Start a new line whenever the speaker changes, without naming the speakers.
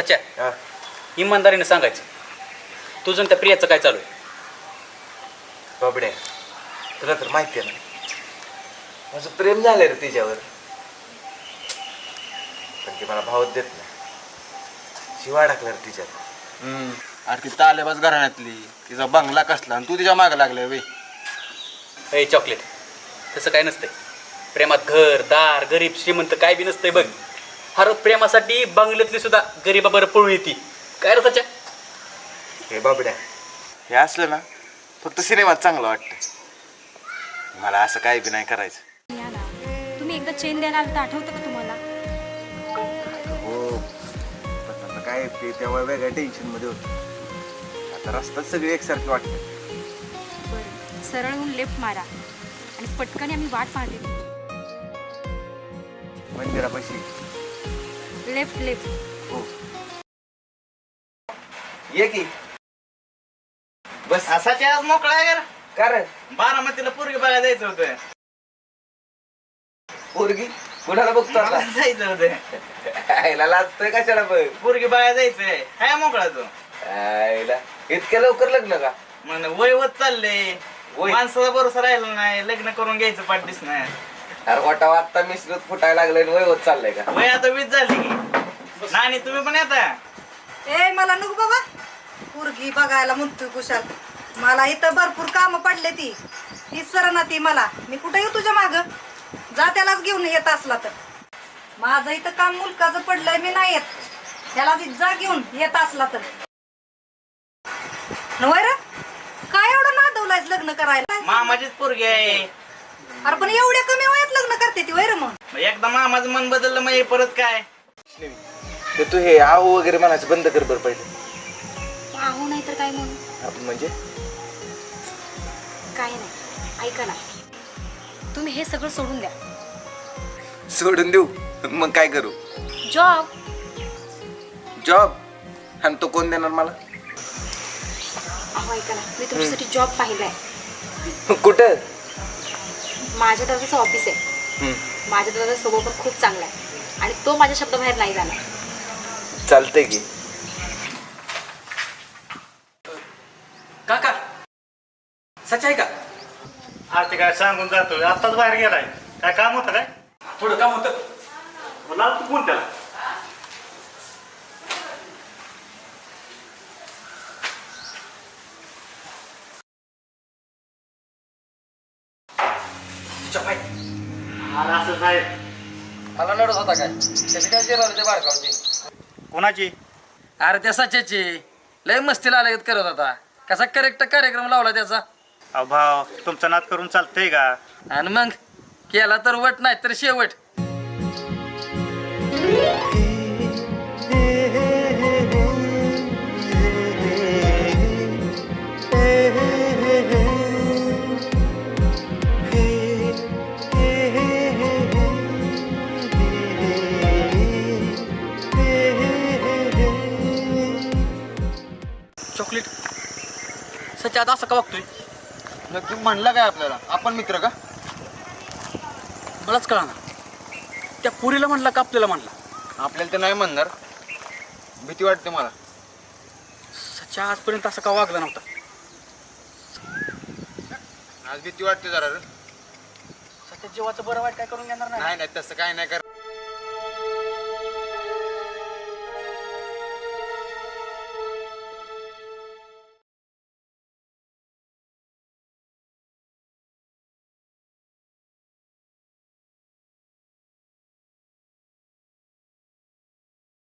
सच्या
हा.
इमानदारीने सांगायचं तुझं आणि त्या प्रियाचं काय चालू आहे?
बाबड्या तुला तर माहिती आहे ना माझं प्रेम झालंय रे तिच्यावर. पण ती मला भावच देत नाही. शिवा टाकला रे तिच्यात.
अरे ती तालेबाज घराण्यातली, तिचा बंगला कसला आणि तू तिच्या मागं लागलाय वे.
ए चॉकलेट, तसं काय नसतंय. प्रेमात घर दार गरीब श्रीमंत काय बी नसतंय बघ. हर प्रेमासाठी बंगल्यातली सुद्धा गरीबाबरोबर पळून येते. काय रे सच्या?
हे बाबड्या हे असलं ना फक्त सिनेमात चांगलं वाटतं. मला असं काही बी नाही करायचं.
या ना, तुम्ही एकदा चेन द्यायला आलं तर आठवतं का तुम्हाला?
हो पण आता काय ते तेव्हा वेगळ्या टेन्शनमध्ये होतं. आता रस्त्यात सगळी एकसारखी वाटते.
बरं, सरळ होऊन लेफ्ट मारा आणि पटकन आम्ही वाट पाहते.
मंदिरापाशी.
Left left.
हो ये की बस.
असाची आज मोकळा आहे
का रे
बारामतीला पोरगी बघायला जायचं होतं.
पोरगी कुणाला बघतो आता?
जायचं होतं.
आईला लाजतोय कशाला बघ.
पोरगी बघायला जायचंय. काय मोकळा तो
आईला इतक्या लवकर लग्न का?
म्हण वय होत चाललंय.
वय?
माणसाचा भरोसा राहिला नाही. लग्न करून घ्यायचं पाठीस नाही.
अरे वाटा आत्ता मिसरत फुटायला लागलंय वय होत चाललंय का?
वय आता 20 झाली की. नानी तुम्ही पण येता.
ए मला नको बाबा पोरगी बघायला म्हणतोय कुशाल. मला इथं भरपूर कामं पडले ती सर ना ती मला. मी कुठं येऊ तुझ्या माग? जा त्यालाच घेऊन येत असला तर. माझं इथं काम मुलकाचं पडलंय मी नाही येत. त्याला जा घेऊन येत असला तर. नव्हे रे काय एवढं नादवलायच लग्न करायला?
मामाचीच पोरगी आहे.
अरे पण एवढ्या कमी वयात लग्न करते ती वैर मग?
मग एकदा मामाचं मन बदललं मग हे परत काय.
ते तू हे आहो वगैरे म्हणायचं बंद कर बरं पहिले.
आहो नाही तर काय म्हणून?
म्हणजे
काय नाही, ऐका ना, तुम्ही हे सगळं सोडून द्या.
सोडून देऊ मग काय करू?
जॉब.
जॉब? आणि तो कोण देणार मला?
अहो ऐका ना, मी तुमच्यासाठी जॉब पाहिलाय.
कुठं?
माझ्या दादाचं ऑफिस आहे. माझ्या दादाचा स्वभाव पण खूप चांगला आहे आणि तो माझ्या शब्दाबाहेर नाही जाणार.
चालतंय की.
काका सच्या आहे का?
आज ते काय सांगून जातोय. आत्ताच बाहेर गेलाय. काय काम होतं काय?
थोडं काम होतं.
मला तू कोण त्याला?
तुझ्या माहिती
अरे असं साहेब.
मला नडत होता काय? त्याची काय जिरावली बारकावची.
कोणाची?
अरे त्या सच्याची लय मस्तीला आल्यागत करत होता. कसा करेक्ट कार्यक्रम लावला त्याचा.
अहो भाव तुमचा नाद करून चालतंय का?
आणि मग केला तर वट नाही तर शेवट.
चॉकलेट सच्या आता असं का वागतोय?
नक्की म्हणला काय आपल्याला? आपण मित्र का?
मलाच कळा ना. त्या पुरीला म्हणला का आपल्याला म्हणला?
आपल्याला ते नाही म्हणणार. भीती वाटते मला.
सच्या आजपर्यंत असं का वागला नव्हता.
आज भीती वाटते जरा रे.
सच्या जीवाचं बरं वाईट काय करून घेणार नाही.
नाही नाही तसं काय नाही कर.